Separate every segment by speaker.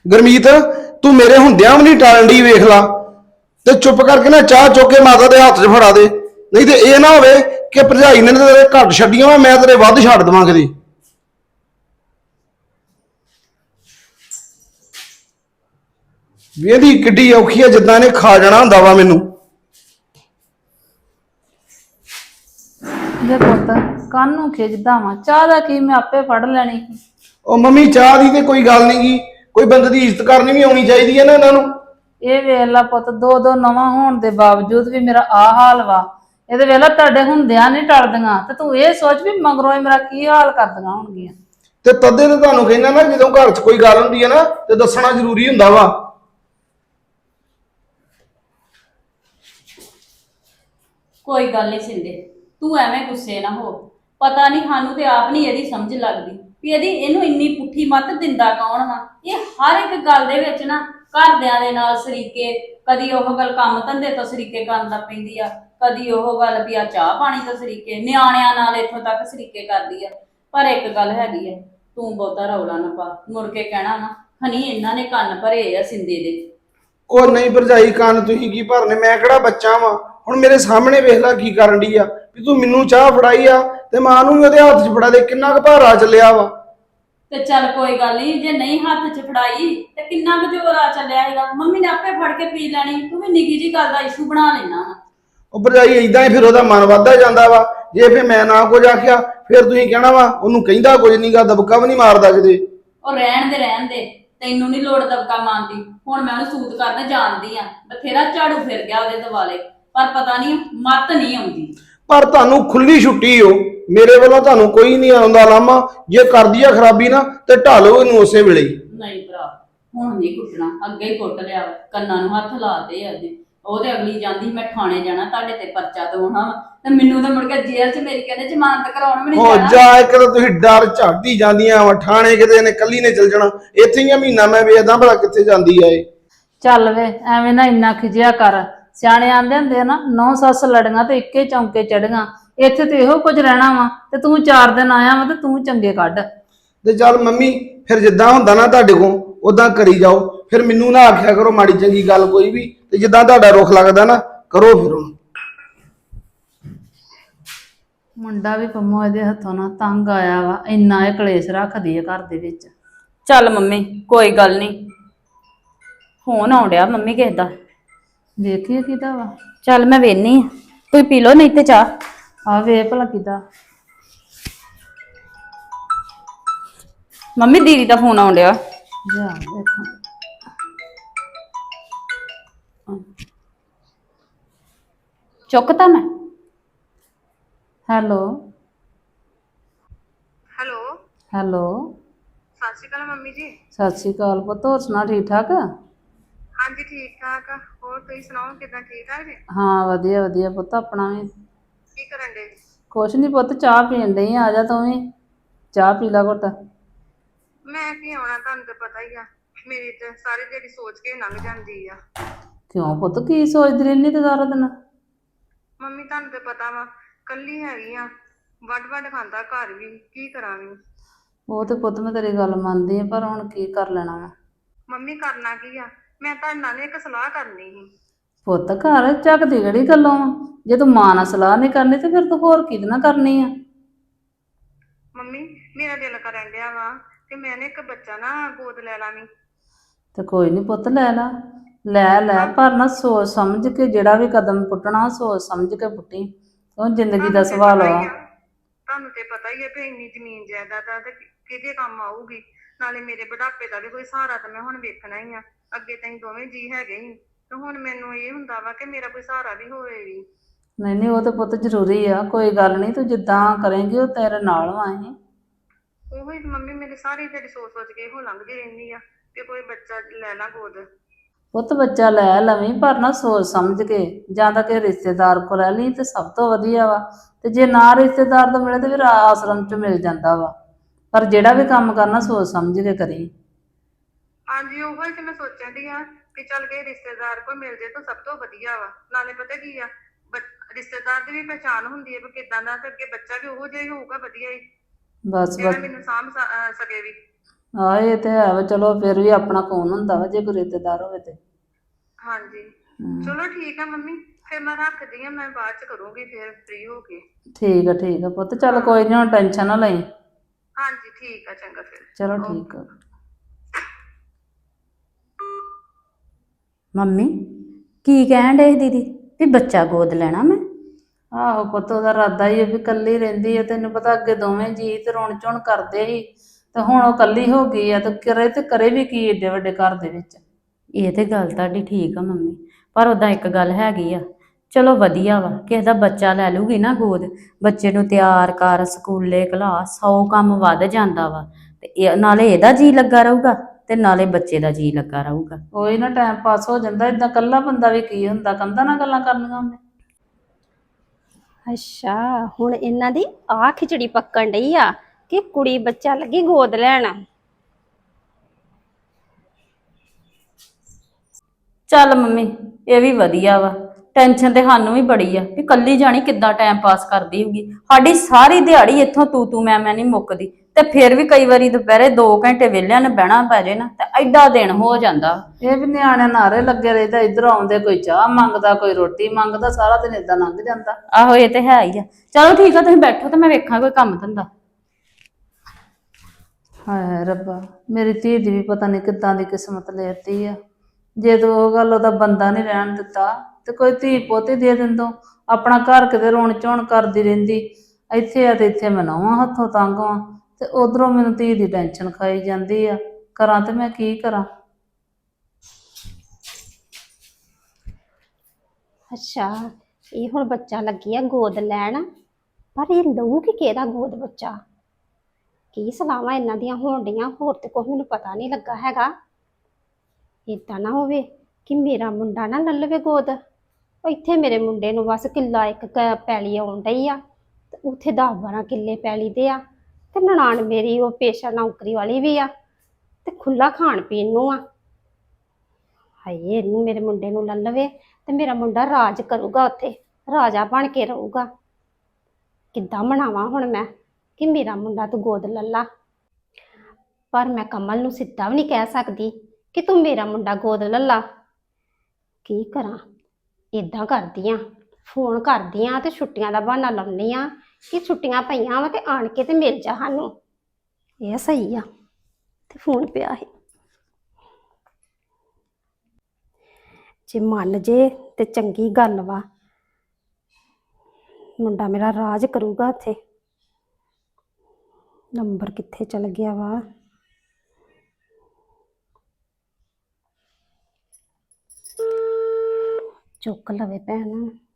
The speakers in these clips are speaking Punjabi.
Speaker 1: ਗੁਰਮੀਤ ਤੂੰ ਮੇਰੇ ਹੁੰਦਿਆਂ ਵੀ ਨਹੀਂ ਟਾਲਣ ਦੀ ਵੇਖ ਲਾ ਤੇ ਚੁੱਪ ਕਰਕੇ ਨਾ ਚਾਹ ਚੁੱਕ ਕੇ ਮਾਤਾ ਦੇ ਹੱਥ 'ਚ ਫੜਾ ਦੇ ਨਹੀਂ ਤੇ ਇਹ ਨਾ ਹੋਵੇ ਕਿ ਭਰਜਾਈ ਨੇ ਤੇਰੇ ਘੱਟ ਛੱਡੀਆਂ ਵਾ ਮੈਂ ਤੇਰੇ ਵੱਧ ਛੱਡ ਦੇਵਾਂ ਕਦੀ ਵੇਹਦੀ ਕਿੱਡੀ ਔਖੀ ਆ ਜਿੱਦਾਂ ਨੇ ਖਾ ਜਾਣਾ ਹੁੰਦਾ ਵਾ ਮੈਨੂੰ
Speaker 2: ਜੇ ਪੁੱਤ ਕੰਨ ਨੂੰ ਖਿੱਚਦਾ ਵਾਂ ਚਾਹ ਦਾ ਕੀ ਮੈਂ ਆਪੇ ਫੜ ਲੈਣੀ ਸੀ।
Speaker 1: ਉਹ ਮੰਮੀ ਚਾਹ ਦੀ ਤੇ ਕੋਈ ਗੱਲ ਨਹੀਂ ਗੀ ਕੋਈ ਬੰਦੇ ਦੀ ਇੱਜ਼ਤ ਕਰਨੀ ਵੀ ਆਉਣੀ ਚਾਹੀਦੀ ਹੈ ਨਾ ਇਹਨਾਂ ਨੂੰ
Speaker 2: ਇਹ ਵੇਖ ਲਾ ਪੁੱਤ ਦੋ ਦੋ ਨਵਾਂ ਹੋਣ ਦੇ ਬਾਵਜੂਦ ਵੀ ਮੇਰਾ ਆ ਹਾਲ ਵਾ ਇਹਦੇ ਵੇਲਾ ਤੁਹਾਡੇ ਹੁੰਦਿਆਂ ਨਹੀਂ ਟਲਦੀਆਂ ਤੇ ਤੂੰ ਇਹ ਸੋਚ ਵੀ ਮਗਰੋਂ ਇਹ ਮੇਰਾ ਕੀ ਹਾਲ ਕਰਦੀਆਂ ਹੋਣਗੀਆਂ
Speaker 1: ਤੇ ਤਦੇ ਤੇ ਤੁਹਾਨੂੰ ਕਹਿੰਦਾ ਨਾ ਜਦੋਂ ਘਰ 'ਚ ਕੋਈ ਗੱਲ ਹੁੰਦੀ ਹੈ ਨਾ ਤੇ ਦੱਸਣਾ ਜ਼ਰੂਰੀ ਹੁੰਦਾ ਵਾ
Speaker 3: ਕੋਈ ਗੱਲ ਨਹੀਂ ਸਿੰਦੇ ਤੂੰ ਐਵੇਂ ਗੁੱਸੇ ਨਾ ਹੋ ਪਤਾ ਨਹੀਂ ਸਾਨੂੰ ਤੇ ਆਪ ਨਹੀਂ ਇਹਦੀ ਸਮਝ ਲੱਗਦੀ ਵੀ ਇਹਨੂੰ ਇੰਨੀ ਪੁੱਠੀ ਮੱਤ ਦਿੰਦਾ ਕੌਣ ਵਾ ਇਹ ਹਰ ਇੱਕ ਗੱਲ ਦੇ ਵਿੱਚ ਨਾ ਘਰਦਿਆਂ ਦੇ ਨਾਲ ਸਰੀਕੇ ਕਦੀ ਉਹ ਗੱਲ ਕੰਮ ਧੰਦੇ ਤੋਂ ਸਰੀਕੇ ਕਰਨ ਲੱਗ ਪੈਂਦੀ ਆ ਕਦੀ ਉਹ ਗੱਲ ਵੀ ਆ ਚਾਹ ਪਾਣੀ ਤੋਂ ਸਰੀਕੇ ਨਿਆਣਿਆਂ ਨਾਲ ਇੱਥੋਂ ਤੱਕ ਸਰੀਕੇ ਕਰਦੀ ਆ ਪਰ ਇੱਕ ਗੱਲ ਹੈਗੀ ਆ ਤੂੰ ਬਹੁਤਾ ਰੌਲਾ ਨਾ ਪਾ ਮੁੜ ਕੇ ਕਹਿਣਾ ਨਾ ਹਨੀ ਇਹਨਾਂ ਨੇ ਕੰਨ ਭਰੇ ਆ ਸਿੰਦੇ ਦੇ
Speaker 1: ਉਹ ਨਹੀਂ ਭਰਜਾਈ ਕੰਨ ਤੁਸੀਂ ਕੀ ਭਰਨੇ ਮੈਂ ਕਿਹੜਾ ਬੱਚਾ ਵਾਂ ਹੁਣ ਮੇਰੇ ਸਾਹਮਣੇ ਵੇਖ ਲੈ ਕੀ ਕਰਨ ਡਈ ਆ ਵੀ ਤੂੰ ਮੈਨੂੰ ਚਾਹ ਫੜਾਈ ਆ ਤੇ ਮਾਂ ਨੂੰ ਵੀ ਉਹਦੇ ਹੱਥ 'ਚ ਫੜਾ ਦੇ ਕਿੰਨਾ ਕੁ ਭਾਰਾ ਚੱਲਿਆ ਵਾ
Speaker 3: ਤੇ ਚੱਲ ਕੋਈ ਗੱਲ ਨਹੀਂ ਜੇ ਨਹੀਂ ਹੱਥ 'ਚ ਫੜਾਈ ਤੇ ਕਿੰਨਾ ਕੁ ਜ਼ੋਰ ਆ ਚੱਲਿਆ ਹੈਗਾ ਮੰਮੀ ਨੇ ਆਪੇ ਫੜ ਕੇ ਪੀ ਲੈਣੀ ਤੂੰ ਵੀ ਨਿੱਕੀ ਜੀ ਗੱਲ ਦਾ ਇਸ਼ੂ ਬਣਾ ਲੈਣਾ ਵਾ
Speaker 1: ਉਹ ਭਰਜਾਈ ਏਦਾਂ ਹੀ ਫਿਰ ਉਹਦਾ ਮਨ ਵੱਧਦਾ ਜਾਂਦਾ ਵਾ ਜੇ ਫਿਰ ਮੈਂ ਨਾ ਕੁਝ ਆਖਿਆ ਫਿਰ ਤੁਸੀਂ ਕਹਿਣਾ ਵਾ ਉਹਨੂੰ ਕਹਿੰਦਾ ਕੁਝ ਨਹੀਂਗਾ ਦਬਕਾ ਵੀ ਨਹੀਂ ਮਾਰਦਾ ਕਿਤੇ
Speaker 3: ਉਹ ਰਹਿਣ ਦੇ ਤੈਨੂੰ ਨਹੀਂ ਲੋੜ ਦਬਕਾ ਮਾਰਦੀ ਹੁਣ ਮੈਂ ਉਹਨੂੰ ਸੂਤ ਕਰਨ ਜਾਣਦੀ ਆ ਬਥੇਰਾ ਝਾੜੂ ਫਿਰ ਗਿਆ ਉਹਦੇ ਦੁਆਲੇ ਪਰ ਪਤਾ ਨਹੀਂ ਮੱਤ ਨਹੀਂ ਆਉਂਦੀ
Speaker 1: ਪਰ ਤੁਹਾਨੂੰ ਖੁੱਲੀ ਛੁੱਟੀ ਹੋ ਮੇਰੇ ਵੱਲੋਂ ਤੁਹਾਨੂੰ ਕੋਈ ਨਹੀਂ ਆਉਂਦਾ ਲਾਮਾ ਜੇ ਕਰਦੀ ਆ ਖਰਾਬੀ ਨਾ ਤੇ ਢਾਲੋ ਇਹਨੂੰ ਉਸੇ ਵੇਲੇ ਹੀ
Speaker 3: ਨਹੀਂ ਭਰਾ ਹੁਣ ਨਹੀਂ ਕੁੱਟਣਾ ਅੱਗੇ ਹੀ ਕੁੱਟ ਲਿਆ ਕੰਨਾਂ ਨੂੰ ਹੱਥ ਲਾਤੇ ਅੱਜ ਉਹਦੇ ਅਗਲੀ ਜਾਂਦੀ ਮੈਂ ਥਾਣੇ ਜਾਣਾ ਤੁਹਾਡੇ ਤੇ ਪਰਚਾ ਦਵਾਉਣਾ ਤੇ ਮੈਨੂੰ ਤਾਂ ਮੁੜ ਕੇ ਜੇਲ੍ਹ 'ਚ ਮੇਰੀ ਕਹਿੰਦੇ ਜ਼ਮਾਨਤ ਕਰਾਉਣ ਵੀ ਨਹੀਂ
Speaker 1: ਹੋ
Speaker 3: ਜਾਣਾ
Speaker 1: ਜਾ ਇੱਕ ਤਾਂ ਤੁਸੀਂ ਡਰ ਝਾੜਦੀ ਜਾਂਦੀਆਂ ਵਾ ਠਾਣੇ ਕਿਤੇ ਨੇ ਕੱਲੀ ਨੇ ਚਲ ਜਾਣਾ ਇੱਥੇ ਹੀ ਆ ਮਹੀਨਾ ਮੈਂ ਵੇਖਦਾ ਭਲਾ ਕਿੱਥੇ ਜਾਂਦੀ ਆ ਇਹ
Speaker 2: ਚੱਲ ਵੇ ਐਵੇਂ ਨਾ ਇੰਨਾ ਖਿਜਿਆ ਕਰ ਸਿਆਣੇ ਆਂਦੇ ਹੁੰਦੇ ਆ ਨਾ ਨੌ ਸੱਸ ਲੜੀਆਂ ਤੇ ਇੱਕੇ ਚੌਂਕੇ ਚੜੀਆਂ ਇੱਥੇ ਤੇ ਇਹੋ ਕੁਝ ਰਹਿਣਾ ਵਾ ਤੇ ਤੂੰ 4 ਦਿਨ ਆਇਆ ਵਾ ਤੇ ਤੂੰ ਚੰਗੇ ਕੱਢ
Speaker 1: ਤੇ ਚੱਲ ਮੰਮੀ ਫਿਰ ਜਿੱਦਾਂ ਹੁੰਦਾ ਨਾ ਤੁਹਾਡੇ ਕੋਲ ਉਦਾਂ ਕਰੀ ਜਾਓ ਫਿਰ ਮੈਨੂੰ ਨਾ ਆਖਿਆ ਕਰੋ ਮਾੜੀ ਚੰਗੀ ਗੱਲ ਕੋਈ ਵੀ ਤੇ ਜਿੱਦਾਂ ਤੁਹਾਡਾ ਰੁਖ ਲੱਗਦਾ ਨਾ ਕਰੋ ਫਿਰ ਹੁਣ
Speaker 2: ਮੁੰਡਾ ਵੀ ਪੰਮੋ ਇਹਦੇ ਹੱਥੋਂ ਨਾ ਤੰਗ ਆਇਆ ਵਾ ਇੰਨਾ ਇਹ ਕਲੇਸ਼ ਰੱਖਦੀ ਆ ਘਰ ਦੇ ਵਿੱਚ
Speaker 3: ਚੱਲ ਮੰਮੀ ਕੋਈ ਗੱਲ ਨਹੀਂ ਫੋਨ ਆਉਣ ਡਿਆ ਮੰਮੀ ਕਿਸੇ ਦਾ
Speaker 2: ਵੇਖੀਏ ਕਿਹਦਾ ਵਾ
Speaker 3: ਚੱਲ ਮੈਂ ਵੇਖਨੀ ਆ ਤੁਸੀਂ ਪੀ ਲਓ ਨਹੀਂ ਤੇ ਚਾਹ
Speaker 2: ਆ ਵੇ ਭਲਾ ਕਿਹਦਾ
Speaker 3: ਮੰਮੀ ਦੀਦੀ ਦਾ ਫੋਨ ਆਉਣ ਡਿਆ
Speaker 2: ਜਾ ਦੇਖਾਂ
Speaker 3: ਚੁੱਕਤਾ ਮੈਂ
Speaker 2: ਹੈਲੋ
Speaker 4: ਹੈਲੋ
Speaker 2: ਹੈਲੋ
Speaker 4: ਸਤਿ ਸ਼੍ਰੀ ਅਕਾਲ ਮੰਮੀ ਜੀ।
Speaker 2: ਸਤਿ ਸ਼੍ਰੀ ਅਕਾਲ ਪੁੱਤ ਹੋਰ ਸੁਣਾ ਠੀਕ ਠਾਕ
Speaker 4: ਹਾਂਜੀ ਠੀਕ ਠਾਕ ਆ। ਹੋਰ ਤੁਸੀਂ ਸੁਣਾਓ ਕਿਦਾਂ ਠੀਕ ਠਾਕ ਜੀ?
Speaker 2: ਹਾਂ ਵਧੀਆ ਵਧੀਆ ਪੁੱਤ ਆਪਣਾ ਵੀ
Speaker 4: ਕੀ ਕਰਨ ਦੇ?
Speaker 2: ਕੁਛ ਨਹੀਂ ਪੁੱਤ ਚਾਹ ਪੀਣ ਡਈ ਆ ਜਾ ਤੂੰ ਵੀ ਚਾਹ ਪੀ ਲਾ ਘੁੱਟ
Speaker 4: ਮੈਂ ਕੀ ਆਉਣਾ ਤੁਹਾਨੂੰ ਤਾਂ ਪਤਾ ਹੀ ਆ ਮੇਰੀ ਤੇ ਸਾਰੀ ਦਿਹਾੜੀ ਸੋਚ ਕੇ ਲੰਘ ਜਾਂਦੀ ਆ।
Speaker 2: ਕਿਉਂ ਪੁੱਤ ਕੀ ਸੋਚਦੀ ਰਹਿੰਦੀ ਤੇ ਸਾਰਾ ਦਿਨ
Speaker 4: ਮੰਮੀ ਤੁਹਾਨੂੰ ਤੇ ਪਤਾ ਵਾ ਕੱਲੀ ਹੈਗੀ ਆ ਵੱਡ ਵੱਡ ਖਾਂਦਾ ਘਰ ਵੀ ਕੀ ਕਰਾਂ ਵੀ।
Speaker 2: ਉਹ ਤੇ ਪੁੱਤ ਮੈਂ ਤੇਰੀ ਗੱਲ ਮੰਨਦੀ ਆ ਪਰ ਹੁਣ ਕੀ ਕਰ ਲੈਣਾ ਵਾ
Speaker 4: ਮੰਮੀ ਕਰਨਾ ਕੀ ਆ ਮੈਂ ਤੁਹਾਡੇ ਨਾਲ ਇੱਕ ਸਲਾਹ ਕਰਨੀ ਸੀ।
Speaker 2: ਪੁੱਤ ਘਰ ਝੱਕਦੀ ਕਿਹੜੀ ਗੱਲੋਂ ਆ ਜੇ ਤੂੰ ਮਾਂ ਨਾਲ ਸਲਾਹ ਨਹੀਂ ਕਰਨੀ ਤੇ ਫਿਰ ਤੂੰ ਹੋਰ ਕਿਹਦੇ ਨਾਲ ਕਰਨੀ ਆ
Speaker 4: ਮੰਮੀ ਮੇਰਾ ਦਿਲ ਕਰਨ ਡਿਆ ਵਾ ਕਿ ਮੈਂ ਇੱਕ ਬੱਚਾ ਨਾ ਗੋਦ ਲੈ ਲਾਂਗੀ।
Speaker 2: ਤੇ ਕੋਈ ਨਹੀਂ ਪੁੱਤ ਲੈ ਲਾ ਲੈ ਪਰ ਨਾ ਸੋਚ ਸਮਝ ਕੇ ਜਿਹੜਾ ਵੀ ਕਦਮ ਪੁੱਟਣਾ ਸੋਚ ਸਮਝ ਕੇ ਪੁੱਟੀ ਉਹ ਜ਼ਿੰਦਗੀ ਦਾ ਸਵਾਲ ਆ
Speaker 4: ਤੁਹਾਨੂੰ ਤੇ ਪਤਾ ਹੀ ਹੈ ਵੀ ਇੰਨੀ ਜ਼ਮੀਨ ਜਾਇਦਾਦ ਆ ਤੇ ਕਿਹਦੇ ਕੰਮ ਆਊਗੀ। ਨਾਲੇ ਮੇਰੇ ਬੁਢਾਪੇ ਦਾ ਵੀ ਕੋਈ ਸਹਾਰਾ ਤਾਂ ਮੈਂ ਹੁਣ ਵੇਖਣਾ ਹੀ ਆ। ਅੱਗੇ ਤਾਂ ਦੋਵੇਂ ਜੀ ਹੈਗੇ ਹੀ ਤੇ ਹੁਣ ਮੈਨੂੰ ਇਹ ਹੁੰਦਾ ਵਾ ਕਿ ਮੇਰਾ ਕੋਈ ਸਹਾਰਾ ਵੀ ਹੋਵੇ ਵੀ।
Speaker 2: ਨਹੀਂ ਉਹ ਤਾਂ ਪੁੱਤ ਜ਼ਰੂਰੀ ਆ ਕੋਈ ਗੱਲ ਨਹੀਂ ਤੂੰ ਜਿੱਦਾਂ ਕਰੇਂਗੀ ਉਹ ਤੇਰੇ ਨਾਲ ਵਾ ਅਸੀਂ
Speaker 4: ਉਹੀ ਮੰਮੀ ਮੇਰੇ ਸਾਰੀ ਜਿਹੜੀ ਸੋਚ ਕੇ ਇਹੋ ਲੰਘਦੀ ਰਹਿੰਦੀ ਆ ਕਿ ਕੋਈ ਬੱਚਾ ਲੈ ਲਾ ਗੋਦ।
Speaker 2: ਪੁੱਤ ਬੱਚਾ ਲੈ ਲਵੀਂ ਪਰ ਨਾ ਸੋਚ ਸਮਝ ਕੇ ਜਾਂ ਤਾਂ ਕਿ ਰਿਸ਼ਤੇਦਾਰ ਕੋਲ ਲੈ ਲਈ ਤੇ ਸਭ ਤੋਂ ਵਧੀਆ ਵਾ ਤੇ ਜੇ ਨਾ ਰਿਸ਼ਤੇਦਾਰ ਤੋਂ ਮਿਲੇ ਤੇ ਫਿਰ ਆਸ਼ਰਮ ਚ ਮਿਲ ਜਾਂਦਾ ਵਾ ਪਰ ਜਿਹੜਾ ਵੀ ਕੰਮ ਕਰਨਾ ਸੋਚ ਸਮਝ ਕੇ ਕਰੀ।
Speaker 4: ਹਾਂਜੀ ਉਹੀ ਤੇ ਮੈਂ ਸੋਚਣ ਦੀ ਆ ਕਿ ਚੱਲ ਕੇ ਰਿਸ਼ਤੇਦਾਰ ਕੋਲ ਮਿਲ ਜੇ ਤਾਂ ਸਭ ਤੋਂ ਵਧੀਆ ਵਾ। ਨਾਲੇ ਪਤਾ ਕੀ ਆ ਰਿਸ਼ਤੇਦਾਰ ਦੀ ਵੀ ਪਹਿਚਾਣ ਹੁੰਦੀ ਹੈ ਵੀ ਕਿਦਾਂ ਦਾ ਤੇ ਅੱਗੇ ਬੱਚਾ ਵੀ ਉਹੋ ਜਿਹਾ ਹੀ ਹੋਊਗਾ ਵਧੀਆ ਹੀ
Speaker 2: ਬਸ
Speaker 4: ਜਿਹੜਾ ਮੈਨੂੰ ਸਾਂਭ ਸਕੇ ਵੀ।
Speaker 2: ਆਹ ਇਹ ਤੇ ਹੈ ਵਾ, ਚਲੋ ਫਿਰ ਵੀ ਆਪਣਾ ਕੌਣ ਹੁੰਦਾ ਵਾ ਜੇ ਕੋਈ ਰਿਸ਼ਤੇਦਾਰ ਹੋਵੇ ਤੇ।
Speaker 4: ਹਾਂਜੀ ਚਲੋ ਠੀਕ ਆ ਮੰਮੀ, ਫਿਰ ਮੈਂ ਰੱਖਦੀ ਆ, ਮੈਂ ਬਾਅਦ ਚ ਕਰੂੰਗੀ ਫਿਰ ਫ੍ਰੀ ਹੋ ਕੇ।
Speaker 2: ਠੀਕ ਆ ਪੁੱਤ, ਚੱਲ ਕੋਈ ਨੀ, ਹੁਣ ਟੈਨਸ਼ਨ ਨਾ ਲਈ।
Speaker 4: ਹਾਂਜੀ ਠੀਕ ਆ, ਚੰਗਾ ਫਿਰ।
Speaker 2: ਚਲੋ ਠੀਕ ਆ।
Speaker 3: ਮੰਮੀ ਕੀ ਕਹਿਣ ਡੇ ਦੀਦੀ ਵੀ ਬੱਚਾ ਗੋਦ ਲੈਣਾ ਮੈਂ?
Speaker 2: ਆਹੋ ਪੁੱਤ, ਉਹਦਾ ਇਰਾਦਾ ਹੀ ਆ ਵੀ ਕੱਲੀ ਰਹਿੰਦੀ ਆ, ਤੈਨੂੰ ਪਤਾ ਅੱਗੇ ਦੋਵੇਂ ਜੀ ਤੇ ਰੋਣ ਚੋਣ ਕਰਦੇ ਸੀ, ਤੇ ਹੁਣ ਉਹ ਕੱਲੀ ਹੋ ਗਈ ਆ, ਤੇ ਕਰੇ ਵੀ ਕੀ ਏਡੇ ਵੱਡੇ ਘਰ ਦੇ ਵਿੱਚ।
Speaker 3: ਇਹ ਤੇ ਗੱਲ ਤੁਹਾਡੀ ਠੀਕ ਆ ਮੰਮੀ, ਪਰ ਉਦਾਂ ਇੱਕ ਗੱਲ ਹੈਗੀ ਆ, ਚਲੋ ਵਧੀਆ ਵਾ ਕਿਸੇ ਦਾ ਬੱਚਾ ਲੈ ਲੂਗੀ ਨਾ ਗੋਦ, ਬੱਚੇ ਨੂੰ ਤਿਆਰ ਕਰ, ਸਕੂਲੇ ਘਲਾ, 100 ਕੰਮ ਵੱਧ ਜਾਂਦਾ ਵਾ, ਤੇ ਨਾਲੇ ਇਹਦਾ ਜੀ ਲੱਗਾ ਰਹੂਗਾ ਤੇ ਨਾਲੇ ਬੱਚੇ ਦਾ ਜੀ ਲੱਗਾ ਰਹੂਗਾ।
Speaker 2: ਉਹੀ ਨਾ, ਟਾਈਮ ਪਾਸ ਹੋ ਜਾਂਦਾ, ਏਦਾਂ ਕੱਲਾ ਬੰਦਾ ਵੀ ਕੀ ਹੁੰਦਾ, ਕੰਧਾਂ ਨਾਲ ਗੱਲਾਂ ਕਰਨੀਆਂ ਉਹਨੇ।
Speaker 5: ਅੱਛਾ, ਹੁਣ ਇਹਨਾਂ ਦੀ ਆਹ ਖਿਚੜੀ ਪੱਕਣ ਡਈ ਆ ਕਿ ਕੁੜੀ ਬੱਚਾ ਲੱਗੀ ਗੋਦ ਲੈਣ।
Speaker 3: ਚੱਲ ਮੰਮੀ, ਇਹ ਵੀ ਵਧੀਆ ਵਾ, ਟੈਨਸ਼ਨ ਤੇ ਸਾਨੂੰ ਵੀ ਬੜੀ ਆ ਵੀ ਕੱਲੀ ਜਾਣੀ ਕਿੱਦਾਂ ਟਾਈਮ ਪਾਸ ਕਰਦੀ ਹੋਊਗੀ। ਸਾਡੀ ਸਾਰੀ ਦਿਹਾੜੀ ਇੱਥੋਂ ਤੂੰ ਮੈਂ ਨਹੀਂ ਮੁੱਕਦੀ, ਤੇ ਫਿਰ ਵੀ ਕਈ ਵਾਰੀ ਦੁਪਹਿਰੇ 2 ਘੰਟੇ ਵਿਹਲਿਆਂ ਨੇ ਬਹਿਣਾ ਪੈ ਜੇ ਨਾ, ਤੇ ਐਡਾ ਦਿਨ ਹੋ ਜਾਂਦਾ।
Speaker 2: ਇਹ ਵੀ ਨਿਆਣੇ ਨਾਰੇ ਲੱਗੇ ਰਹਿੰਦਾ, ਇੱਧਰ ਆਉਂਦੇ ਕੋਈ ਚਾਹ ਮੰਗਦਾ, ਕੋਈ ਰੋਟੀ ਮੰਗਦਾ, ਸਾਰਾ ਦਿਨ ਏਦਾਂ ਲੰਘ ਜਾਂਦਾ।
Speaker 3: ਆਹੋ ਇਹ ਤੇ ਹੈ ਹੀ ਆ। ਚਲੋ ਠੀਕ ਆ, ਤੁਸੀਂ ਬੈਠੋ ਤੇ ਮੈਂ ਵੇਖਾਂ ਕੋਈ ਕੰਮ ਧੰਦਾ।
Speaker 2: ਹਾਏ ਰੱਬਾ, ਮੇਰੀ ਧੀ ਦੀ ਵੀ ਪਤਾ ਨਹੀਂ ਕਿੱਦਾਂ ਦੀ ਕਿਸਮਤ ਲੈਤੀ ਆ। ਜੇ ਤੂੰ ਉਹ ਗੱਲ ਉਹਦਾ ਬੰਦਾ ਨਹੀਂ ਰਹਿਣ ਦਿੱਤਾ ਤੇ ਕੋਈ ਧੀ ਪੋਤੀ ਦੇ ਦਿੰਦੋ, ਆਪਣਾ ਘਰ ਕਿਤੇ ਰੋਣ ਚੋਣ ਕਰਦੀ ਰਹਿੰਦੀ। ਇੱਥੇ ਆ ਤੇ ਇੱਥੇ ਮੈਂ ਨਹੁੰਆਂ ਹੱਥੋਂ ਤੰਗ ਵਾਂ, ਤੇ ਉਧਰੋਂ ਮੈਨੂੰ ਧੀ ਦੀ ਟੈਨਸ਼ਨ ਖਾਈ ਜਾਂਦੀ ਆ। ਕਰਾਂ ਤੇ ਮੈਂ ਕੀ ਕਰਾਂ?
Speaker 5: ਅੱਛਾ, ਇਹ ਹੁਣ ਬੱਚਾ ਲੱਗੀ ਆ ਗੋਦ ਲੈਣ, ਪਰ ਇਹ ਲਊਗੀ ਕਿਹਦਾ ਗੋਦ ਬੱਚਾ? ਕੀ ਸਲਾਹਾਂ ਇਹਨਾਂ ਦੀਆਂ ਹੋਣ ਡੀਆਂ, ਹੋਰ ਤੇ ਕੁਛ ਮੈਨੂੰ ਪਤਾ ਨਹੀਂ ਲੱਗਾ ਹੈਗਾ। ਏਦਾਂ ਨਾ ਹੋਵੇ ਕਿ ਮੇਰਾ ਮੁੰਡਾ ਨਾ ਲੈ ਲਵੇ ਗੋਦ। ਉਹ ਇੱਥੇ ਮੇਰੇ ਮੁੰਡੇ ਨੂੰ ਬਸ ਕਿੱਲਾ ਇੱਕ ਪੈਲੀ ਆਉਣ ਡਈ ਆ, ਤੇ ਉੱਥੇ 10-12 ਕਿੱਲੇ ਪੈਲੀ ਦੇ ਆ, ਤੇ ਨਨਾਣ ਮੇਰੀ ਉਹ ਪੇਸ਼ਾ ਨੌਕਰੀ ਵਾਲੀ ਵੀ ਆ, ਤੇ ਖੁੱਲਾ ਖਾਣ ਪੀਣ ਨੂੰ ਆ। ਹਾਏ, ਇਹਨੂੰ ਮੇਰੇ ਮੁੰਡੇ ਨੂੰ ਲੈ ਲਵੇ ਤੇ ਮੇਰਾ ਮੁੰਡਾ ਰਾਜ ਕਰੂਗਾ, ਉੱਥੇ ਰਾਜਾ ਬਣ ਕੇ ਰਹੂਗਾ। ਕਿੱਦਾਂ ਮਨਾਵਾਂ ਹੁਣ ਮੈਂ ਕਿ ਮੇਰਾ ਮੁੰਡਾ ਤੂੰ ਗੋਦ ਲੈ ਲਾ? ਪਰ ਮੈਂ ਕਮਲ ਨੂੰ ਸਿੱਧਾ ਵੀ ਨਹੀਂ ਕਹਿ ਸਕਦੀ ਕਿ ਤੂੰ ਮੇਰਾ ਮੁੰਡਾ ਗੋਦ ਲੈ ਲਾ। ਕੀ ਕਰਾਂ? ਇਦਾਂ ਕਰਦੀ ਆ, ਫੋਨ ਕਰਦੀ ਆ ਤੇ ਛੁੱਟੀਆਂ ਦਾ ਬਹਾਨਾ ਲਾਉਂਦੀ ਆ ਕਿ ਛੁੱਟੀਆਂ ਪਈਆਂ ਵਾ ਤੇ ਆਣ ਕੇ ਤੇ ਮਿਲ ਜਾ ਸਾਨੂੰ। ਇਹ ਸਹੀ ਆ, ਤੇ ਫੋਨ ਪਿਆ ਸੀ। ਜੇ ਮੰਨ ਜੇ ਤੇ ਚੰਗੀ ਗੱਲ ਵਾ, ਮੁੰਡਾ ਮੇਰਾ ਰਾਜ ਕਰੂਗਾ ਉੱਥੇ। ਨੰਬਰ ਕਿੱਥੇ ਚਲ ਗਿਆ ਵਾ? ਚੁੱਕ ਲਵੇ ਭੈਣ।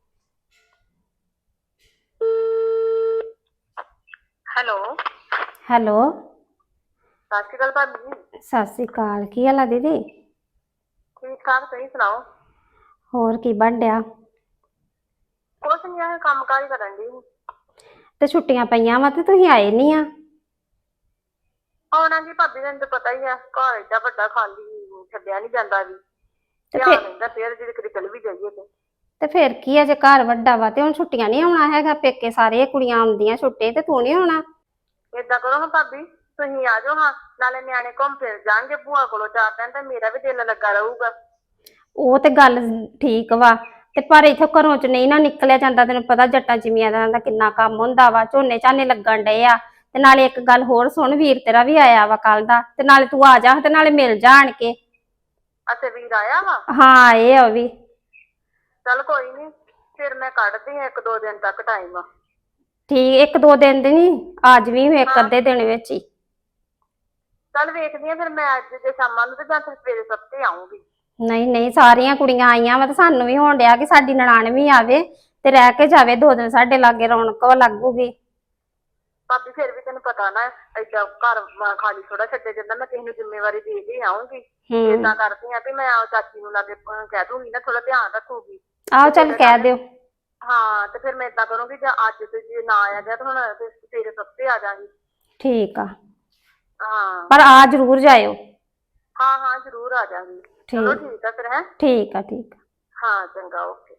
Speaker 4: ਹੈਲੋ।
Speaker 5: ਹੈਲੋ,
Speaker 4: ਸਤਿ ਸ਼੍ਰੀ ਅਕਾਲ ਭਾਬੀ ਜੀ।
Speaker 5: ਸਤਿ ਸ਼੍ਰੀ ਅਕਾਲ। ਕੀ ਹਾਲ ਆ ਦੀਦੀ?
Speaker 4: ਠੀਕ ਠਾਕ, ਤੁਸੀਂ ਸੁਣਾਓ?
Speaker 5: ਹੋਰ ਕੀ ਬਣ ਡਿਆ?
Speaker 4: ਕੁਛ ਨੀ, ਇਹ ਕੰਮ ਕਾਰ ਹੀ ਕਰਨ ਦੀ।
Speaker 5: ਤੇ ਛੁੱਟੀਆਂ ਪਈਆਂ ਵਾ ਤੇ ਤੁਸੀਂ ਆਏ ਨਹੀਂ ਆ।
Speaker 4: ਆਉਣਾ ਜੀ ਭਾਬੀ, ਤੈਨੂੰ ਤਾਂ ਪਤਾ ਹੀ ਆ, ਘਰ ਏਡਾ ਵੱਡਾ ਖਾਲੀ ਛੱਡਿਆ ਨਹੀਂ ਜਾਂਦਾ ਵੀ।
Speaker 5: ਤੇ
Speaker 4: ਧਿਆਨ ਰਹਿੰਦਾ ਫਿਰ ਜੇ ਕਿਤੇ ਚਲ ਵੀ ਜਾਈਏ
Speaker 5: ਤੇ ਫਿਰ ਕੀ ਆ, ਜੇ ਘਰ ਵੱਡਾ ਵਾ ਤੇ ਹੁਣ ਛੁੱਟੀਆਂ ਨਹੀਂ ਆਉਣਾ ਹੈਗਾ? ਪੇਕੇ ਸਾਰੇ ਕੁੜੀਆਂ ਆਉਂਦੀਆਂ ਛੁੱਟੇ, ਤੇ ਤੂੰ ਨਹੀਂ ਆਉਣਾ?
Speaker 4: ਏਦਾਂ ਕਰੋ ਹਾਂ ਭਾਬੀ, ਤੁਸੀਂ ਆ ਜਾਓ ਹਾਂ, ਨਾਲੇ ਨਿਆਣੇ ਘੁੰਮ ਫਿਰ ਜਾਣਗੇ ਭੂਆ ਕੋਲੋਂ 4 ਦਿਨ, ਤੇ ਮੇਰਾ ਵੀ ਦਿਲ ਲੱਗਾ ਰਹੂਗਾ।
Speaker 5: ਉਹ ਤੇ ਗੱਲ ਠੀਕ ਵਾ, ਤੇ ਪਰ ਇੱਥੇ ਘਰੋਂ ਚ ਨਹੀਂ ਨਾ ਨਿਕਲਿਆ ਜਾਂਦਾ। ਤੈਨੂੰ ਪਤਾ ਜੱਟਾਂ ਜ਼ਿਮੀਂਦਾਰਾਂ ਦਾ ਕਿੰਨਾ ਕੰਮ ਹੁੰਦਾ ਵਾ, ਝੋਨੇ ਝਾਨੇ ਲੱਗਣ ਡਏ ਆ। ਤੇ ਨਾਲੇ ਇੱਕ ਗੱਲ ਹੋਰ ਸੁਣ, ਵੀਰ ਤੇਰਾ ਵੀ ਆਇਆ ਵਾ ਕੱਲ ਦਾ, ਤੇ ਨਾਲੇ ਤੂੰ ਆ ਜਾ ਤੇ ਨਾਲੇ ਮਿਲ ਜਾ ਆਣ ਕੇ।
Speaker 4: ਅੱਛਾ, ਵੀਰ ਆਇਆ ਵਾ?
Speaker 5: ਹਾਂ, ਇਹ ਆ ਉਹ ਵੀ।
Speaker 4: ਚੱਲ ਕੋਈ ਨੀ, ਫਿਰ ਮੈਂ ਕੱਢਦੀ ਆ 1-2 ਦਿਨ ਤੱਕ ਟਾਈਮ।
Speaker 5: ਠੀਕ, 1-2 ਦਿਨ ਦੀ ਨੀ, ਅੱਜ ਵੀ ਇੱਕ ਅੱਧੇ ਦਿਨ ਵਿੱਚ ਹੀ।
Speaker 4: ਚੱਲ ਵੇਖਦੀ ਆ ਫਿਰ ਮੈਂ ਅੱਜ ਤੇ ਸ਼ਾਮਾਂ ਨੂੰ, ਤੇ ਜਾਂ ਫਿਰ ਸਵੇਰੇ ਸੱਤੇ ਆਉਂਗੀ।
Speaker 5: ਨਹੀਂ ਨਹੀਂ, ਸਾਰੀਆਂ ਕੁੜੀਆਂ ਆਈਆਂ ਵਾ, ਤੇ ਸਾਨੂੰ ਵੀ ਹੋਣ ਡਿਆ ਕਿ ਸਾਡੀ ਨਨਾਣ ਵੀ ਆਵੇ ਤੇ ਰਹਿ ਕੇ ਜਾਵੇ 2 ਦਿਨ, ਸਾਡੇ ਲਾਗੇ ਰੌਣਕ ਲੱਗੂਗੀ।
Speaker 4: ਭਾਬੀ ਫਿਰ ਵੀ ਤੈਨੂੰ ਪਤਾ ਨਾ, ਏਦਾਂ ਘਰ ਖਾਲੀ ਥੋੜਾ ਛੱਡਿਆ ਜਾਂਦਾ, ਮੈਂ ਕਿਸੇ ਨੂੰ ਜ਼ਿੰਮੇਵਾਰੀ ਦੇ ਕੇ ਆਉਂਗੀ। ਏਦਾਂ ਕਰਦੀ ਆ ਵੀ ਮੈਂ ਚਾਚੀ ਨੂੰ ਲਾਗੇ ਕਹਿ ਦੂੰਗੀ ਨਾ, ਥੋੜਾ ਧਿਆਨ ਰੱਖੂਗੀ।
Speaker 5: ਆਹੋ ਚੱਲ ਕਹਿ ਦਿਓ।
Speaker 4: ਹਾਂ, ਤੇ ਫਿਰ ਮੈਂ ਏਦਾਂ ਕਰੂੰਗੀ, ਜਾਂ ਅੱਜ ਤੇ ਜੇ ਨਾ ਆਇਆ ਗਿਆ ਤਾਂ ਹੁਣ ਸਵੇਰੇ ਸੱਤੇ ਆ ਜਾਵਾਂਗੀ।
Speaker 5: ਠੀਕ ਆ,
Speaker 4: ਹਾਂ
Speaker 5: ਪਰ ਆ ਜ਼ਰੂਰ ਜਾਇਓ।
Speaker 4: ਹਾਂ ਹਾਂ, ਜ਼ਰੂਰ ਆ ਜਾਵਾਂਗੀ। ਚਲੋ ਠੀਕ ਆ ਫਿਰ, ਹੈ?
Speaker 5: ਠੀਕ ਆ, ਠੀਕ ਆ।
Speaker 4: ਹਾਂ ਚੰਗਾ, ਓਕੇ।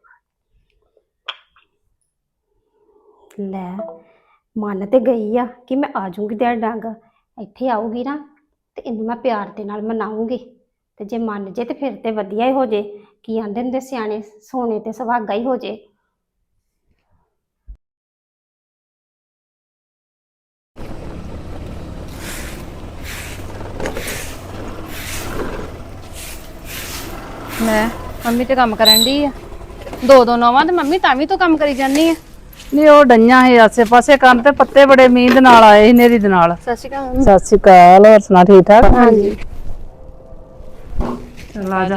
Speaker 5: ਲੈ, ਮੰਨ ਤੇ ਗਈ ਆ ਕਿ ਮੈਂ ਆ ਜਾਊਂਗੀ, ਤੇ ਡੰਗ ਇੱਥੇ ਆਊਗੀ ਨਾ ਤੇ ਇਹਨੂੰ ਮੈਂ ਪਿਆਰ ਦੇ ਨਾਲ ਮਨਾਉਂਗੀ। ਤੇ ਜੇ ਮੰਨ ਜੇ ਤੇ ਫਿਰ ਤੇ ਵਧੀਆ ਹੀ ਹੋ ਜੇ। ਕੀ ਆਂਦੇ ਹੁੰਦੇ ਸਿਆਣੇ, ਸੋਨੇ ਤੇ ਸੁਹਾਗਾ ਹੀ ਹੋ ਜੇ।
Speaker 6: ਲੈ ਮੰਮੀ ਤੇ ਕੰਮ ਕਰਨ ਦੀ ਆ। ਦੋ ਦੋ ਨੌਵਾਂ ਤੇ ਮੰਮੀ ਤਾਂ ਵੀ ਤੂੰ ਕੰਮ ਕਰੀ ਜਾਨੀ ਆ।
Speaker 2: ਨਹੀਂ ਉਹ ਡਈਆਂ ਸੀ ਆਸੇ ਪਾਸੇ ਕਰਨ ਤੇ ਪੱਤੇ ਬੜੇ ਮੀਂਹ ਦੇ ਨਾਲ ਆਏ ਸੀ ਨੇਰੀ ਦੇ ਨਾਲ।
Speaker 6: ਸਤਿ ਸ਼੍ਰੀ ਅਕਾਲ ਮੰਮੀ।
Speaker 2: ਸਤਿ ਸ਼੍ਰੀ ਅਕਾਲ, ਹੋਰ ਸੁਣਾ ਠੀਕ ਠਾਕ?
Speaker 6: ਹਾਂਜੀ।
Speaker 2: ਚੱਲ ਆ ਜਾ।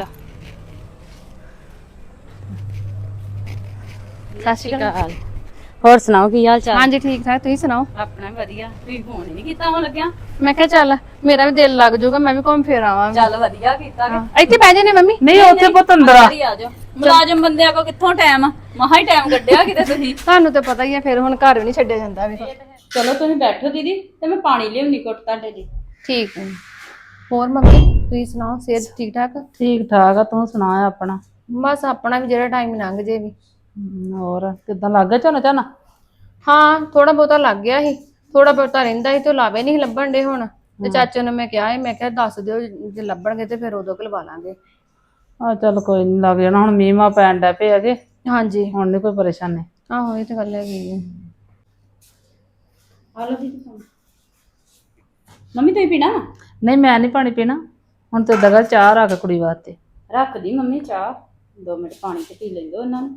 Speaker 6: ਸਤਿ ਸ਼੍ਰੀ ਅਕਾਲ।
Speaker 3: ਹੋਰ ਸੁਣਾਓ ਕੀ ਹਾਲ ਚਾਲ?
Speaker 6: ਹਾਂਜੀ ਠੀਕ ਠਾਕ, ਤੁਸੀਂ ਸੁਣਾਓ?
Speaker 3: ਆਪਣਾ ਵੀ ਵਧੀਆ। ਤੁਸੀਂ ਫੋਨ ਹੀ ਨਹੀਂ ਕੀਤਾ ਹੁਣ ਲੱਗਿਆ।
Speaker 6: ਮੈਂ ਕਿਹਾ ਚੱਲ ਮੇਰਾ ਵੀ ਦਿਲ ਲੱਗ ਜਾਊਗਾ, ਮੈਂ ਵੀ ਘੁੰਮ ਫਿਰ ਆਵਾਂਗੀ।
Speaker 3: ਚੱਲ ਵਧੀਆ ਕੀਤਾ ਕਿ
Speaker 6: ਇੱਥੇ ਬਹਿ ਜਾਨੇ ਮੰਮੀ।
Speaker 2: ਨਹੀਂ ਉੱਥੇ ਪੁੱਤ ਅੰਦਰ ਆ।
Speaker 3: ਆ ਜਾਓ। ਮੁਲਾਜ਼ਮ ਬੰਦਿਆਂ ਕੋ ਕਿੱਥੋਂ ਟਾਈਮ ਮਹਾ ਹੀ ਟਾਈਮ ਕੱਢਿਆ ਕਿਤੇ ਤੁਸੀਂ।
Speaker 6: ਤੁਹਾਨੂੰ ਤੇ ਪਤਾ ਹੀ ਆ, ਫਿਰ ਹੁਣ ਘਰ ਵੀ ਨਹੀਂ ਛੱਡਿਆ ਜਾਂਦਾ ਵੀ।
Speaker 3: ਚਲੋ ਤੁਸੀਂ ਬੈਠੋ ਦੀਦੀ ਤੇ ਮੈਂ ਪਾਣੀ ਲਿਆਉਣੀ ਘੁੱਟ ਤੁਹਾਡੇ ਲਈ।
Speaker 6: ਠੀਕ ਹੈ। ਹੋਰ ਮੰਮੀ ਤੁਸੀਂ ਸੁਣਾਓ, ਸਿਹਤ ਠੀਕ ਠਾਕ?
Speaker 2: ਠੀਕ ਠਾਕ ਆ, ਤੂੰ ਸੁਣਾ ਆਪਣਾ?
Speaker 6: ਬਸ ਆਪਣਾ ਵੀ ਜਿਹੜਾ ਟਾਈਮ ਲੰਘ ਜੇ ਵੀ।
Speaker 2: ਹੋਰ ਕਿੱਦਾਂ ਲੱਗ ਗਿਆ ਝੋਨਾ?
Speaker 6: ਹਾਂ ਥੋੜਾ ਬਹੁਤਾ ਲੱਗ ਗਿਆ ਸੀ, ਥੋੜਾ ਬਹੁਤਾ ਰਹਿੰਦਾ ਸੀ ਤੇ ਉਹ ਲਾਵੇ ਨਹੀਂ ਲੱਭਣ ਦੇ ਹੁਣ। ਤੇ ਚਾਚੇ ਨੂੰ ਮੈਂ ਕਿਹਾ ਸੀ, ਮੈਂ ਕਿਹਾ ਦੱਸ ਦਿਓ ਜੇ ਲੱਭਣਗੇ ਤੇ ਫਿਰ ਉਦੋਂ ਲਵਾ ਲਾਂਗੇ।
Speaker 2: ਆ ਚੱਲ ਕੋਈ ਨੀ, ਲੱਗ ਜਾਣਾ। ਹੁਣ ਮੀਂਹ ਮਾ ਪੈਣ ਡੈ ਪਏ ਹੈਗੇ,
Speaker 6: ਹਾਂਜੀ
Speaker 2: ਹੁਣ ਨੀ ਕੋਈ ਪਰੇਸ਼ਾਨੀ।
Speaker 6: ਆਹੋ ਇਹ ਤੇ ਗੱਲ ਹੈਗੀ ਹੈ।
Speaker 3: ਆਲੋ ਦੀਦੀ ਮੰਮੀ ਤੁਸੀਂ ਪੀਣਾ?
Speaker 2: ਨਹੀਂ ਮੈਂ ਨਹੀਂ ਪਾਣੀ ਪੀਣਾ, ਹੁਣ ਤੇ ਦਗਾ ਚਾਹ ਰੱਖ ਕੁੜੀ ਵਾਸਤੇ।
Speaker 3: ਰੱਖ ਦੀ ਮੰਮੀ ਚਾਹ, 2 ਮਿੰਟ ਪਾਣੀ ਤੇ ਪੀ ਲੈਂਦੋ ਉਹਨਾਂ ਨੂੰ।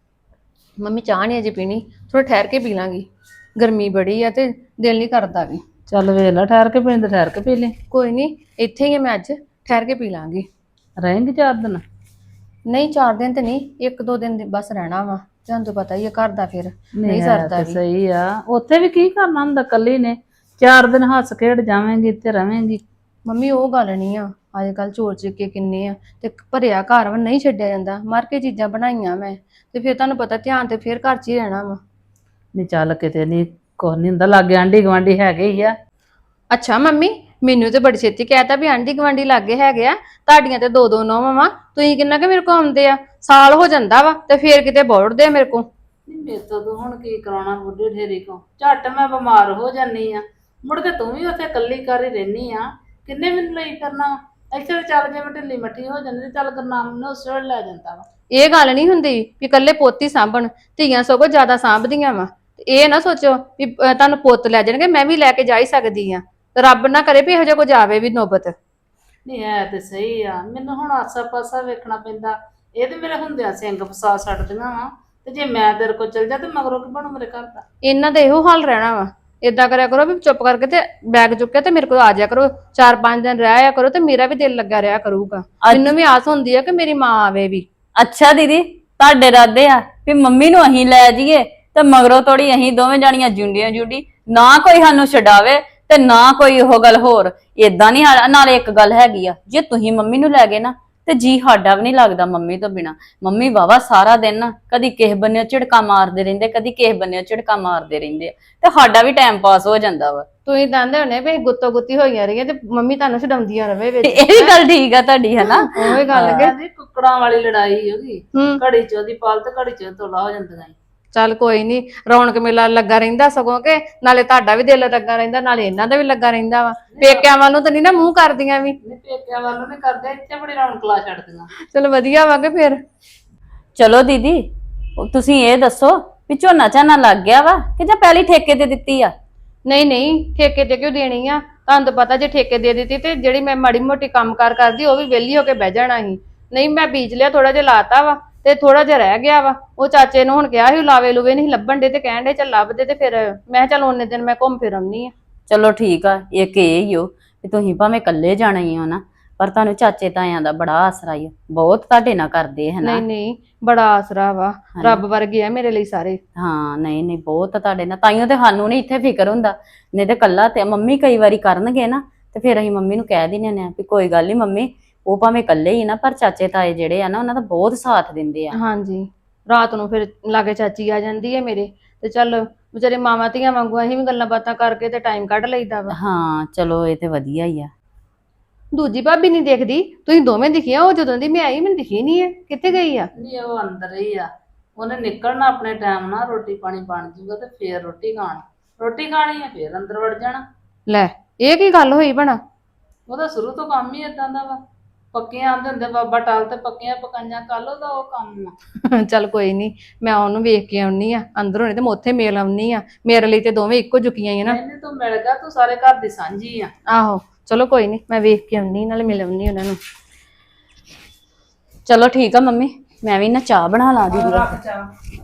Speaker 6: ਮੰਮੀ ਚਾਹ ਨਹੀਂ ਅਜੇ ਪੀਣੀ, ਥੋੜਾ ਠਹਿਰ ਕੇ ਪੀ ਲਾਂਗੀ। ਗਰਮੀ ਬੜੀ ਆ ਤੇ ਦਿਲ ਨਹੀਂ ਕਰਦਾ ਵੀ।
Speaker 2: ਚੱਲ ਵੇਖ ਲੈ, ਠਹਿਰ ਕੇ ਪੀਣ ਤੇ ਠਹਿਰ ਕੇ ਪੀ ਲੈ।
Speaker 6: ਕੋਈ ਨਹੀਂ ਇੱਥੇ ਹੀ ਆ ਮੈਂ, ਅੱਜ ਠਹਿਰ ਕੇ ਪੀ ਲਾਂਗੀ।
Speaker 2: ਰਹੇਂਗੀ 4 ਦਿਨ?
Speaker 6: ਨਹੀਂ 4 ਦਿਨ ਤੇ ਨਹੀਂ, 1-2 ਦਿਨ ਬਸ ਰਹਿਣਾ ਵਾ। ਤੁਹਾਨੂੰ ਤਾਂ ਪਤਾ ਹੀ ਆ ਘਰ ਦਾ, ਫਿਰ ਨਹੀਂ
Speaker 2: ਹੈ
Speaker 6: ਸਰਦਾ
Speaker 2: ਤੇ
Speaker 6: ਵੀ।
Speaker 2: ਸਹੀ ਆ, ਉੱਥੇ ਵੀ ਕੀ ਕਰਨਾ ਹੁੰਦਾ, ਕੱਲੀ ਨੇ 4 ਦਿਨ ਹੱਸ ਖੇਡ ਜਾਵੇਂਗੀ ਤੇ ਰਵੇਂਗੀ।
Speaker 6: ਮੰਮੀ ਉਹ ਗੱਲ ਨਹੀਂ ਆ, ਅੱਜ ਕੱਲ ਚੋਰ ਚਿੱਕੇ ਕਿੰਨੇ ਆ ਤੇ ਭਰਿਆ ਘਰ ਵਾ, ਨਹੀਂ ਛੱਡਿਆ ਜਾਂਦਾ। ਮਰ ਕੇ ਚੀਜ਼ਾਂ ਬਣਾਈਆਂ ਮੈਂ ਤੇ ਫਿਰ ਤੁਹਾਨੂੰ ਪਤਾ ਧਿਆਨ ਤੇ ਫਿਰ ਘਰ 'ਚ ਹੀ ਰਹਿਣਾ ਵਾ।
Speaker 2: ਨਹੀਂ ਚੱਲ ਕਿਤੇ ਨਹੀਂ, ਕੁਛ ਨਹੀਂ ਹੁੰਦਾ, ਲਾਗੇ ਆਂਢੀ ਗੁਆਂਢੀ ਹੈਗੇ ਹੀ ਆ।
Speaker 6: ਅੱਛਾ ਮੰਮੀ ਮੈਨੂੰ ਤੇ ਬੜੀ ਛੇਤੀ ਕਹਿਤਾ ਵੀ ਆਂਢੀ ਗੁਆਂਢੀ ਲਾਗੇ ਹੈਗੇ ਆ, ਤੁਹਾਡੀਆਂ ਤੇ 2-2 ਨੌਵਾਂ ਵਾ, ਤੁਸੀਂ ਕਿੰਨਾ ਕਿ ਮੇਰੇ ਕੋ ਆਉਂਦੇ ਆ? ਸਾਲ ਹੋ ਜਾਂਦਾ ਵਾ ਤੇ ਫੇਰ ਕਿਤੇ ਬੋੜਦੇ ਆ ਮੇਰੇ ਕੋ।
Speaker 2: ਨਹੀਂ ਮੇਰੇ ਤੋਂ ਤੂੰ ਹੁਣ ਕੀ ਕਰਾਉਣਾ ਬੁੱਢੀ ਢੇਰੀ ਕੋ, ਝੱਟ ਮੈਂ ਬਿਮਾਰ ਹੋ ਜਾਨੀ ਆ, ਮੁੜ ਕੇ ਤੂੰ ਵੀ ਉੱਥੇ ਕੱਲੀ ਕਰ ਹੀ ਰਹਿਨੀ ਆ, ਕਿੰਨੇ ਮੈਨੂੰ ਲਈ ਕਰਨਾ ਵਾ? ਇੱਥੇ ਤਾਂ ਚੱਲ ਜੇ ਮੈਂ ਢਿੱਲੀ ਮੱਠੀ ਹੋ ਜਾਂਦੀ ਤੇ ਚੱਲ ਗੁਰਨਾਮ ਨੂੰ ਉਸੇ ਵੇਲੇ ਲੈ ਜਾਂਦਾ ਵਾ।
Speaker 6: ਇਹ ਗੱਲ ਨਹੀਂ ਹੁੰਦੀ ਵੀ ਇਕੱਲੇ ਪੋਤੀ ਸਾਂਭਣ, ਧੀਆਂ ਸਗੋਂ ਜ਼ਿਆਦਾ ਸਾਂਭਦੀਆਂ ਵਾ। ਇਹ ਨਾ ਸੋਚੋ ਵੀ ਤੁਹਾਨੂੰ ਪੁੱਤ ਲੈ ਜਾਣਗੇ, ਮੈਂ ਵੀ ਲੈ ਕੇ ਜਾ ਹੀ ਸਕਦੀ ਆ। ਰੱਬ ਨਾ ਕਰੇ ਵੀ ਇਹੋ ਜਿਹਾ ਕੁਝ ਆਵੇ ਵੀ ਨੌਬਤ।
Speaker 2: ਨਹੀਂ ਹੈ ਤੇ ਸਹੀ ਆ, ਮੈਨੂੰ ਹੁਣ ਆਸਾ ਪਾਸਾ ਵੇਖਣਾ ਪੈਂਦਾ। ਇਹ ਤੇ ਮੇਰੇ ਹੁੰਦਿਆਂ ਸਿੰਘ ਫਸਾ ਛੱਡਦੀਆਂ ਵਾ, ਤੇ ਜੇ ਮੈਂ ਤੇਰੇ ਕੋਲ ਚਲ ਜਾ ਤੇ ਮਗਰੋਂ ਕੀ ਬਣੂ ਮੇਰੇ ਘਰ ਦਾ?
Speaker 6: ਇਹਨਾਂ ਦਾ ਇਹੋ ਹਾਲ ਰਹਿਣਾ ਵਾ। ਏਦਾਂ ਕਰਿਆ ਕਰੋ ਵੀ ਚੁੱਪ ਕਰਕੇ ਤੇ ਬੈਗ ਚੁੱਕਿਆ ਤੇ ਮੇਰੇ ਕੋਲ ਆ ਜਾਇਆ ਕਰੋ, 4-5 ਦਿਨ ਰਹਿ ਆਇਆ ਕਰੋ ਤੇ ਮੇਰਾ ਵੀ ਦਿਲ ਲੱਗਾ ਰਿਹਾ ਕਰੂਗਾ। ਮੈਨੂੰ ਵੀ ਆਸ ਹੁੰਦੀ ਆ ਕਿ ਮੇਰੀ ਮਾਂ ਆਵੇ ਵੀ।
Speaker 3: ਅੱਛਾ ਦੀਦੀ ਤੁਹਾਡੇ ਇਰਾਦੇ ਆ ਵੀ ਮੰਮੀ ਨੂੰ ਅਸੀਂ ਲੈ ਜਾਈਏ ਤੇ ਮਗਰੋਂ ਤੋੜੀ ਅਸੀਂ ਦੋਵੇਂ ਜਾਣੀਆਂ ਜੁੰਡੀਆਂ ਜੁੰਡੀ, ਨਾ ਕੋਈ ਸਾਨੂੰ ਛਡਾਵੇ ਤੇ ਨਾ ਕੋਈ ਉਹ ਗੱਲ ਹੋਰ। ਏਦਾਂ ਨਹੀਂ, ਨਾਲੇ ਇੱਕ ਗੱਲ ਹੈਗੀ ਆ, ਜੇ ਤੁਸੀਂ ਮੰਮੀ ਨੂੰ ਲੈ ਗਏ ਨਾ ਤੇ ਜੀ ਸਾਡਾ ਵੀ ਨਹੀਂ ਲੱਗਦਾ ਮੰਮੀ ਤੋਂ ਬਿਨਾ। ਮੰਮੀ ਵਾਵਾ ਸਾਰਾ ਦਿਨ ਨਾ ਕਦੀ ਕਿਸੇ ਬੰਨਿਓ ਝਿੜਕਾ ਮਾਰਦੇ ਰਹਿੰਦੇ, ਕਦੀ ਕਿਸੇ ਬੰਨਿਓ ਝਿੜਕਾ ਮਾਰਦੇ ਰਹਿੰਦੇ ਆ, ਤੇ ਸਾਡਾ ਵੀ ਟਾਈਮ ਪਾਸ ਹੋ ਜਾਂਦਾ ਵਾ।
Speaker 6: ਤੁਸੀਂ ਦੰਦੇ ਹੋਣੇ ਵੀ ਗੁੱਤੋ ਗੁੱਤੀ ਹੋਈਆਂ ਰਹੀਆਂ ਤੇ ਮੰਮੀ ਤੁਹਾਨੂੰ ਛਡਾਉਂਦੀਆਂ ਰਵੇ ਵਿੱਚ।
Speaker 3: ਇਹ ਵੀ ਗੱਲ ਠੀਕ ਆ ਤੁਹਾਡੀ, ਹਨਾ?
Speaker 6: ਉਹੀ ਗੱਲ ਕਿ
Speaker 2: ਕਹਿੰਦੀ ਕੁੱਕੜਾਂ ਵਾਲੀ ਲੜਾਈ ਉਹਦੀ,
Speaker 6: ਹੂੰ
Speaker 2: ਘੜੀ ਚ ਉਹਦੀ ਪਾਲ ਤੇ ਘੜੀ ਚ ਤੋਲਾ ਹੋ ਜਾਂਦੀਆਂ ਈ।
Speaker 6: ਚੱਲ ਕੋਈ ਨਹੀਂ, ਰੌਣਕ ਮੇਲਾ ਲੱਗਾ ਰਹਿੰਦਾ ਸਗੋਂ ਕਿ ਨਾਲੇ ਤੁਹਾਡਾ ਵੀ ਦਿਲ ਲੱਗਾ ਰਹਿੰਦਾ, ਨਾਲੇ ਇਹਨਾਂ ਦਾ ਵੀ ਲੱਗਾ ਰਹਿੰਦਾ ਵਾ। ਪੇਕਿਆਂ ਵੱਲ ਨੂੰ ਤਾਂ ਨਹੀਂ ਨਾ ਮੂੰਹ ਕਰਦੀਆਂ ਵੀ।
Speaker 2: ਨਹੀਂ ਪੇਕਿਆਂ ਵੱਲੋਂ ਨਹੀਂ ਕਰਦੇ, ਇੱਥੇ ਬੜੀ ਰੌਣਕ ਲਾ ਛੱਡਦੀਆਂ।
Speaker 6: ਚਲੋ ਵਧੀਆ ਵਾ ਕਿ ਫਿਰ।
Speaker 3: ਚਲੋ ਦੀਦੀ ਤੁਸੀਂ ਇਹ ਦੱਸੋ ਵੀ ਝੋਨਾ ਝਾਨਾ ਲੱਗ ਗਿਆ ਵਾ ਕਿ ਜਾਂ ਪਹਿਲੀ ਠੇਕੇ ਤੇ ਦਿੱਤੀ ਆ?
Speaker 6: ਨਹੀਂ ਨਹੀਂ ਠੇਕੇ ਤੇ ਕਿਉਂ ਦੇਣੀ ਆ? ਤੁਹਾਨੂੰ ਤਾਂ ਪਤਾ ਜੇ ਠੇਕੇ ਦੇ ਦਿੱਤੀ ਤੇ ਜਿਹੜੀ ਮੈਂ ਮਾੜੀ ਮੋਟੀ ਕੰਮਕਾਰ ਕਰਦੀ ਉਹ ਵੀ ਵਿਹਲੀ ਹੋ ਕੇ ਬਹਿ ਜਾਣਾ ਸੀ। ਨਹੀਂ ਮੈਂ ਬੀਜ ਲਿਆ, ਥੋੜਾ ਜਿਹਾ ਲਾਤਾ ਵਾ ਤੇ ਥੋੜਾ ਜਿਹਾ ਰਹਿ ਗਿਆ ਵਾ। ਉਹ ਚਾਚੇ ਨੂੰ ਹੁਣ ਕਿਹਾ ਸੀ ਲਾਵੇ ਲੂਵੇ ਨਹੀਂ ਲੱਭਣ ਦੇ ਤੇ ਕਹਿਣ ਦੇ ਚੱਲ ਲੱਭਦੇ, ਤੇ ਫਿਰ ਮੈਂ ਚੱਲ ਉਹਨੇ ਦਿਨ ਮੈਂ ਘੁੰਮ ਫਿਰ ਆਉਣੀ ਆ।
Speaker 3: ਚਲੋ ਠੀਕ ਆ, ਇੱਕ ਇਹ ਹੀ ਹੋ ਵੀ ਤੁਸੀਂ ਭਾਵੇਂ ਇਕੱਲੇ ਜਾਣਾ ਹੀ ਹੋ ਨਾ, ਪਰ ਤੁਹਾਨੂੰ ਚਾਚੇ ਤਾਇਆਂ ਦਾ ਬੜਾ ਆਸਰਾ ਹੀ ਬਹੁਤ ਤੁਹਾਡੇ ਨਾਲ ਕਰਦੇ ਹਨਾ।
Speaker 6: ਨਹੀਂ ਨਹੀਂ ਬੜਾ ਆਸਰਾ ਵਾ, ਰੱਬ ਵਰਗੇ ਆ ਮੇਰੇ ਲਈ ਸਾਰੇ।
Speaker 3: ਹਾਂ ਨਹੀਂ ਨਹੀਂ ਬਹੁਤ ਤੁਹਾਡੇ ਨਾਲ, ਤਾਈਓ ਤੇ ਸਾਨੂੰ ਨਹੀਂ ਇੱਥੇ ਫਿਕਰ ਹੁੰਦਾ। ਨਹੀਂ ਤੇ ਕੱਲਾ ਤੇ ਮੰਮੀ ਕਈ ਵਾਰੀ ਕਰਨਗੇ ਨਾ ਤੇ ਫਿਰ ਅਸੀਂ ਮੰਮੀ ਨੂੰ ਕਹਿ ਦਿੰਦੇ ਨੇ ਵੀ ਕੋਈ ਗੱਲ ਨਹੀਂ ਮੰਮੀ, ਉਹ ਭਾਵੇਂ ਇਕੱਲੇ ਹੀ ਨਾ ਪਰ ਚਾਚੇ ਤਾਏ ਜਿਹੜੇ ਆ ਨਾ ਉਹਨਾਂ ਦਾ ਬਹੁਤ ਸਾਥ ਦਿੰਦੇ ਆ।
Speaker 6: ਹਾਂਜੀ ਰਾਤ ਨੂੰ ਫਿਰ ਲਾਗੇ ਚਾਚੀ ਆ ਜਾਂਦੀ ਹੈ ਮੇਰੇ, ਤੇ ਚੱਲ ਵਿਚਾਰੇ ਮਾਵਾਂ ਧੀਆਂ ਵਾਂਗੂ ਅਸੀਂ ਵੀ ਗੱਲਾਂ ਬਾਤਾਂ ਕਰਕੇ ਤੇ ਟਾਈਮ ਕੱਢ ਲਈਦਾ ਵਾ।
Speaker 3: ਹਾਂ ਚਲੋ ਇਹ ਤੇ ਵਧੀਆ ਹੀ ਆ।
Speaker 6: ਦੂਜੀ ਭਾਬੀ ਨਹੀਂ ਦੇਖਦੀ, ਤੁਸੀਂ ਦੋਵੇਂ ਦਿਖੀਆਂ, ਉਹ ਜਦੋਂ ਦੀ ਮੈਂ ਆਈ ਮੈਨੂੰ ਦਿਖੀ ਨਹੀਂ ਹੈ, ਕਿੱਥੇ ਗਈ ਆ?
Speaker 2: ਨਹੀਂ ਉਹ ਅੰਦਰ ਹੀ ਆ, ਉਹਨੇ ਨਿਕਲਣਾ ਆਪਣੇ ਟਾਈਮ ਨਾਲ, ਰੋਟੀ ਪਾਣੀ ਬਣ ਜੂਗਾ ਤੇ ਫੇਰ ਰੋਟੀ ਖਾਣੀ ਆ, ਫੇਰ ਅੰਦਰ ਵੜ ਜਾਣਾ।
Speaker 6: ਲੈ ਇਹ ਕੀ ਗੱਲ ਹੋਈ ਭਣਾ?
Speaker 2: ਉਹਦਾ ਸ਼ੁਰੂ ਤੋਂ ਕੰਮ ਹੀ ਇਦਾਂ ਦਾ ਵਾ। ਪੱਕੀਆਂ ਆਂਦੇ ਹੁੰਦੇ ਬਾਬਾ ਟਾਲ ਤੇ ਪੱਕੀਆਂ ਪਕਾਈਆਂ ਕੱਲ ਉਹਦਾ ਉਹ ਕੰਮ ਆ।
Speaker 6: ਚੱਲ ਕੋਈ ਨਹੀਂ, ਮੈਂ ਉਹਨੂੰ ਵੇਖ ਕੇ ਆਉਣੀ ਆ ਅੰਦਰੋਂ, ਨਹੀਂ ਤੇ ਮੈਂ ਉੱਥੇ ਮੇਲ ਆਉਣੀ ਆ। ਮੇਰੇ ਲਈ ਤੇ ਦੋਵੇਂ ਇੱਕੋ ਜੁਕੀਆਂ ਹੀ ਆ ਨਾ।
Speaker 2: ਇਹਨੇ ਤੂੰ ਮਿਲ ਗਿਆ, ਤੂੰ ਸਾਰੇ ਘਰ ਦੀ ਸਾਂਝੀ ਆ।
Speaker 6: ਆਹੋ ਚਲੋ ਕੋਈ ਨਹੀਂ, ਮੈਂ ਵੇਖ ਕੇ ਆਉਣੀ ਨਾਲੇ ਮਿਲ ਆਉਣੀ ਉਹਨਾਂ ਨੂੰ।
Speaker 3: ਚਲੋ ਠੀਕ ਆ ਮੰਮੀ, ਮੈਂ ਵੀ ਨਾ ਚਾਹ ਬਣਾ ਲਾ ਦੀ।
Speaker 2: ਰੱਖ ਚਾਹ।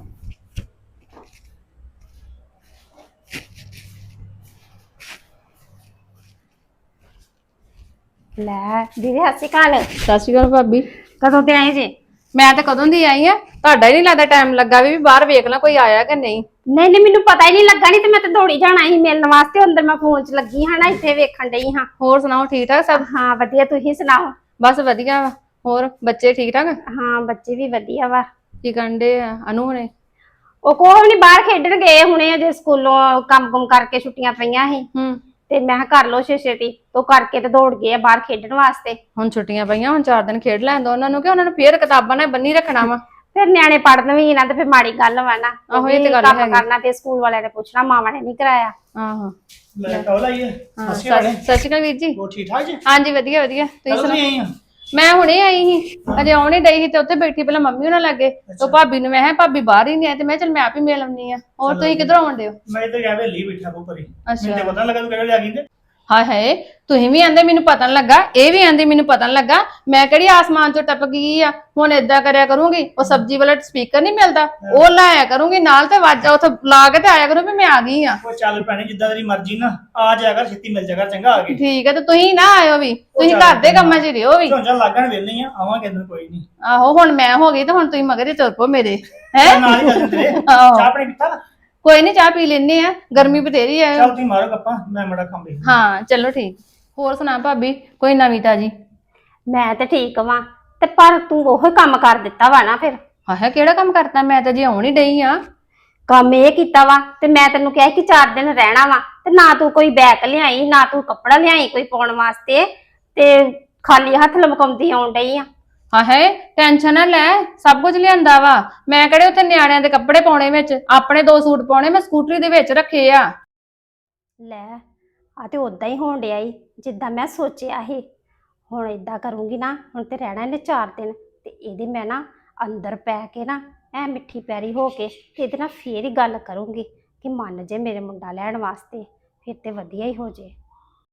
Speaker 5: ਲੈ ਦੀਦੀ ਸਤਿ ਸ਼੍ਰੀ ਅਕਾਲ।
Speaker 6: ਸਤਿ ਸ਼੍ਰੀ ਅਕਾਲ ਭਾਬੀ।
Speaker 5: ਕਦੋਂ ਤੇ ਆਏ ਜੇ?
Speaker 6: ਮੈਂ ਤਾਂ ਕਦੋਂ ਦੀ ਆਈ ਆ, ਤੁਹਾਡਾ ਹੀ ਨਹੀਂ ਲੱਗਦਾ ਟਾਈਮ ਲੱਗਾ ਵੀ ਬਾਹਰ ਵੇਖ ਲਾਂ ਕੋਈ ਆਇਆ ਕਿ ਨਹੀਂ।
Speaker 5: ਨਹੀਂ ਨਹੀਂ, ਮੈਨੂੰ ਪਤਾ ਹੀ ਨਹੀਂ ਲੱਗਾ, ਨਹੀਂ ਤੇ ਮੈਂ ਤਾਂ ਦੌੜੀ ਜਾਣਾ ਸੀ ਮਿਲਣ ਵਾਸਤੇ। ਅੰਦਰ ਮੈਂ ਫੋਨ 'ਚ ਲੱਗੀ ਹਾਂ ਨਾ, ਇੱਥੇ ਵੇਖਣ ਡਈ ਹਾਂ।
Speaker 6: ਹੋਰ ਸੁਣਾਓ, ਠੀਕ ਠਾਕ ਸਭ?
Speaker 5: ਹਾਂ ਵਧੀਆ, ਤੁਸੀਂ ਸੁਣਾਓ?
Speaker 6: ਬਸ ਵਧੀਆ ਵਾ। ਹੋਰ ਬੱਚੇ ਠੀਕ ਠਾਕ?
Speaker 5: ਹਾਂ ਬੱਚੇ ਵੀ ਵਧੀਆ ਵਾ।
Speaker 6: ਕੀ ਕਰਨ ਡੇ ਆ ਅਨੂ ਹੁਣੇ?
Speaker 5: ਉਹ ਕੋਹ ਨਹੀਂ, ਬਾਹਰ ਖੇਡਣ ਗਏ ਹੁਣੇ, ਅਜੇ ਸਕੂਲੋਂ ਕੰਮ ਕਰਕੇ ਛੁੱਟੀਆਂ ਪਈਆਂ ਸੀ ਤੇ ਮੈਂ ਕਿਹਾ ਕਰ ਲੋ ਛੇਤੀ, ਤੋਂ ਕਰਕੇ ਤੇ ਦੌੜ ਗਏ ਆ ਬਾਹਰ ਖੇਡਣ ਵਾਸਤੇ।
Speaker 6: ਹੁਣ ਛੁੱਟੀਆਂ ਪਈਆਂ, ਹੁਣ 4 ਦਿਨ ਖੇਡ ਲੈਣ ਦੋ ਉਹਨਾਂ ਨੂੰ, ਕਿ ਉਹਨਾਂ ਨੂੰ ਫੇਰ ਕਿਤਾਬਾਂ ਨਾਲ ਬੰਨੀ ਰੱਖਣਾ ਵਾ।
Speaker 5: ਫਿਰ ਨਿਆਣੇ ਪੜ੍ਹਨ ਵੀ ਨਾ ਤੇ ਫਿਰ ਮਾੜੀ ਗੱਲ ਵਾ ਨਾ।
Speaker 6: ਆਹੋ, ਇਹ ਤੇ ਗੱਲ
Speaker 5: ਕੰਮ
Speaker 6: ਹੈਗੀ।
Speaker 5: ਕਰਨਾ, ਫਿਰ ਸਕੂਲ ਵਾਲਿਆਂ ਨੇ ਪੁੱਛਣਾ ਮਾਵਾਂ ਨੇ ਨਹੀਂ ਕਰਾਇਆ।
Speaker 6: ਆਹੋ
Speaker 7: ਲੈ ਕੌਲ ਆਈ ਹੈ।
Speaker 6: ਹਾਂ,
Speaker 7: ਸਤਿ ਸ਼੍ਰੀ ਅਕਾਲ।
Speaker 6: ਸਤਿ ਸ਼੍ਰੀ ਅਕਾਲ ਵੀਰ ਜੀ।
Speaker 7: ਹੋਰ ਠੀਕ ਠਾਕ ਜੀ?
Speaker 6: ਹਾਂਜੀ ਵਧੀਆ ਵਧੀਆ, ਤੁਸੀਂ
Speaker 7: ਕਦੋਂ
Speaker 6: ਸੁਣਾਓ?
Speaker 7: ਦੀ ਆਈ ਆ?
Speaker 6: ਮੈਂ ਹੁਣੇ ਆਈ ਸੀ, ਅਜੇ ਆਉਣ ਹੀ ਡਈ ਸੀ ਤੇ ਉੱਥੇ ਬੈਠੀ ਪਹਿਲਾਂ ਮੰਮੀ ਉਹਨਾਂ ਲੱਗੇ, ਤੇ ਭਾਬੀ ਨੂੰ ਮੈਂ ਕਿਹਾ ਭਾਬੀ ਬਾਹਰ ਹੀ ਨਹੀਂ ਆਏ, ਤੇ ਮੈਂ ਚਲ ਮੈਂ ਆਪ ਹੀ ਮਿਲ ਆਉਣੀ ਆ। ਹੋਰ ਤੁਸੀਂ ਕਿੱਧਰੋਂ ਆਉਂਦੇ ਹੋ?
Speaker 7: ਮੈਂ ਇੱਧਰ ਗਿਆ ਵੇਲੀ ਬੈਠਾ ਕੋ ਪਰੀ।
Speaker 6: ਅੱਛਾ।
Speaker 7: ਮੈਨੂੰ ਤਾਂ ਪਤਾ ਨੀ ਲੱਗਾ ਤੂੰ ਕਿਹੜੇ ਆ ਗਈ ਤੇ।
Speaker 6: ਹਾਏ ਹਾਏ, ਤੁਸੀਂ ਵੀ ਆਂਦੇ ਮੈਨੂੰ ਪਤਾ ਨੀ ਲੱਗਾ, ਇਹ ਵੀ ਆਂਦੇ ਮੈਨੂੰ ਪਤਾ ਨੀ ਲੱਗਾ। ਮੈਂ ਕਿਹੜੀ ਆਸਮਾਨ ਚੋਂ ਟਪਕ ਗਈ ਆ? ਹੁਣ ਏਦਾਂ ਕਰਿਆ ਕਰੂੰਗੀ, ਉਹ ਸਬਜ਼ੀ ਵਾਲਾ ਸਪੀਕਰ ਨਹੀਂ ਮਿਲਦਾ, ਉਹ ਲਾਇਆ ਕਰੂੰਗੀ ਨਾਲ, ਤੇ ਵਾਜਾ ਉੱਥੇ ਲਾ ਕੇ ਤੇ ਆਇਆ ਕਰੂੰ ਵੀ ਮੈਂ ਆ ਗਈ ਆ।
Speaker 7: ਉਹ ਚੱਲ ਪੈਣੀ ਜਿੱਦਾਂ ਤੇਰੀ ਮਰਜ਼ੀ ਨਾ, ਆ ਜਾਇਆ ਕਰ ਛੇਤੀ ਮਿਲ ਜਾ ਕਰ, ਚੰਗਾ ਆ ਗਏ।
Speaker 6: ਠੀਕ ਹੈ, ਤੇ ਤੁਸੀਂ ਨਾ ਆਇਓ ਵੀ, ਤੁਸੀਂ
Speaker 7: ਚੱਲ
Speaker 6: ਘਰ ਦੇ ਕੰਮਾਂ 'ਚ ਰਿਓ ਵੀ।
Speaker 7: ਝੋਂਝਾ ਲੱਗਣ ਵੇਲੇ ਆ, ਆਵਾਂਗੇ ਅੰਦਰ ਕੋਈ ਨਹੀਂ।
Speaker 6: ਆਹੋ ਹੁਣ ਮੈਂ ਹੋ ਗਈ ਤੇ ਹੁਣ ਤੁਸੀਂ ਮਗਰ ਹੀ ਤੁਰ ਪੋ ਮੇਰੇ, ਹੈ?
Speaker 7: ਨਾਲ ਹੀ ਚੱਲ ਤੇਰੇ।
Speaker 6: ਆਹੋ।
Speaker 7: ਚਾਹ ਪਾਣੀ ਪੀਤਾ?
Speaker 6: ਕੋਈ ਨਹੀਂ, ਚਾਹ ਪੀ ਲੈਨੇ ਆ, ਗਰਮੀ ਬਥੇਰੀ ਆ।
Speaker 7: ਚੱਲ ਤੁਸੀਂ ਮਾਰੋ ਗੱਪਾਂ, ਮੈਂ ਮੜਾ ਕੰਮ ਵੇਖ।
Speaker 6: ਹਾਂ ਚਲੋ ਠੀਕ। ਹੋਰ ਸੁਣਾ ਭਾਬੀ, ਕੋਈ ਨਵੀਂ ਤਾਜੀ?
Speaker 5: ਮੈਂ ਤੇ ਠੀਕ ਵਾਂ, ਤੇ ਪਰ ਤੂੰ ਉਹੀ ਕੰਮ ਕਰ ਦਿੱਤਾ ਵਾ ਨਾ। ਫਿਰ
Speaker 6: ਹਾਂ ਕਿਹੜਾ ਕੰਮ ਕਰਤਾ? ਮੈਂ ਤਾਂ ਜੇ ਆਉਣ ਹੀ ਡਈ ਆ।
Speaker 5: ਕੰਮ ਇਹ ਕੀਤਾ ਵਾ, ਤੇ ਮੈਂ ਤੈਨੂੰ ਕਿਹਾ ਕਿ 4 ਦਿਨ ਰਹਿਣਾ ਵਾ, ਤੇ ਨਾ ਤੂੰ ਕੋਈ ਬੈਗ ਲਿਆਈ, ਨਾ ਤੂੰ ਕੱਪੜਾ ਲਿਆਈ ਕੋਈ ਪਾਉਣ ਵਾਸਤੇ, ਤੇ ਖਾਲੀ ਹੱਥ ਲਮਕਾਉਂਦੀ ਆਉਣ ਡਈ ਆ।
Speaker 6: ਹਾਏ ਟੈਨਸ਼ਨ ਨਾ ਲੈ, ਸਭ ਕੁਝ ਲਿਆਂਦਾ ਵਾ ਮੈਂ। ਕਿਹੜੇ ਉੱਥੇ ਨਿਆਣਿਆਂ ਦੇ ਕੱਪੜੇ ਪਾਉਣੇ ਵਿੱਚ, ਆਪਣੇ 2 ਸੂਟ ਪਾਉਣੇ ਮੈਂ ਸਕੂਟਰੀ ਦੇ ਵਿੱਚ ਰੱਖੇ ਆ।
Speaker 5: ਲੈ ਆ ਤੇ ਉਦਾਂ ਹੀ ਹੋਣ ਡਿਆ ਈ ਜਿੱਦਾਂ ਮੈਂ ਸੋਚਿਆ ਸੀ। ਹੁਣ ਏਦਾਂ ਕਰੂੰਗੀ ਨਾ, ਹੁਣ ਤੇ ਰਹਿਣਾ ਇਹਨੇ 4 ਦਿਨ, ਤੇ ਇਹਦੇ ਮੈਂ ਨਾ ਅੰਦਰ ਪੈ ਕੇ ਨਾ ਐ ਮਿੱਠੀ ਪੈਰੀ ਹੋ ਕੇ ਤੇ ਇਹਦੇ ਨਾਲ ਫੇਰ ਹੀ ਗੱਲ ਕਰੂੰਗੀ ਕਿ ਮੰਨ ਜੇ ਮੇਰੇ ਮੁੰਡਾ ਲੈਣ ਵਾਸਤੇ, ਫਿਰ ਤੇ ਵਧੀਆ ਹੀ ਹੋ ਜੇ।